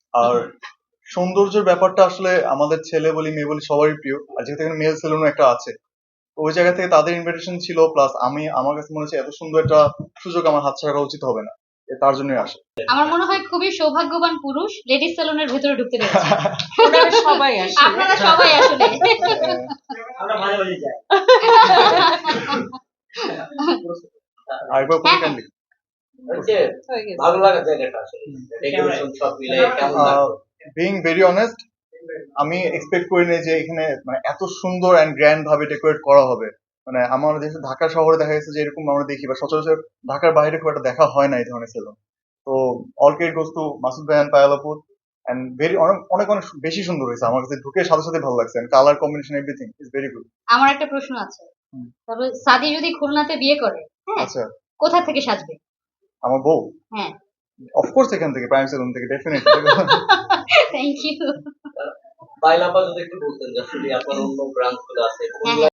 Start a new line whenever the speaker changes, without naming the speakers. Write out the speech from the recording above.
আর সৌন্দর্যের ব্যাপারটা আসলে আমাদের ছেলে বলি মেয়ে বলি সবারই প্রিয়, আর যেহেতু এখানে মেল সেলুনও একটা আছে, তো ওই জায়গা থেকে তাদের ইনভিটেশন ছিল, প্লাস আমার কাছে মনে হচ্ছে এত সুন্দর একটা সুযোগ আমার হাতছাড়া করা উচিত হবে না, তার জন্যই আসে।
আমার মনে হয় খুবই সৌভাগ্যবান পুরুষ লেডিস সেলুনের ভিতরে ঢুকতে পেরেছে।
ওনারা সবাই আসে।
আপনারা সবাই আসলে
আমরা মাঝে মাঝে যাই।
আরেকবার
হ্যাঁ,
ক্যান্ডি
হচ্ছে
হয়ে গেছে।
ভালো লাগা জায়গাটা আসলে ডেকোরেশন সব মিলে কেমন লাগলো?
বিং ভেরি অনেস্ট, আমি এক্সপেক্ট করিনি যে এখানে মানে এত সুন্দর অ্যান্ড গ্র্যান্ড ভাবে ডেকোরেট করা হবে। মানে আমার যেহেতু ঢাকা শহরে দেখা গেছে যে এরকম আমরা দেখি, বা সচরাচর ঢাকার বাইরে খুব একটা দেখা হয় না এই ধরনের সেলুন। তো all credit goes to Masud ভাই এন্ড পায়েল আপু, এন্ড ভেরি অনেক অনেক অনেক বেশি সুন্দর হয়েছে, আমার কাছে ঢুকে সাথে সাথে ভালো লাগছে, colour combination everything is very good.
আমার একটা প্রশ্ন আছে। তবে সাদি যদি খুলনাতে বিয়ে করে, হ্যাঁ,
আচ্ছা,
কোথা থেকে সাজবে?
আমার বউ
হ্যাঁ,
অফকোর্স এখান থেকে, প্রাইম সেলুন থেকে ডেফিনেটলি।
Thank you.
বাইলাপা যদি একটু বলতেন যে আসলে আপনার অন্য ব্রাঞ্চ গুলো আছে
হ্যাঁ,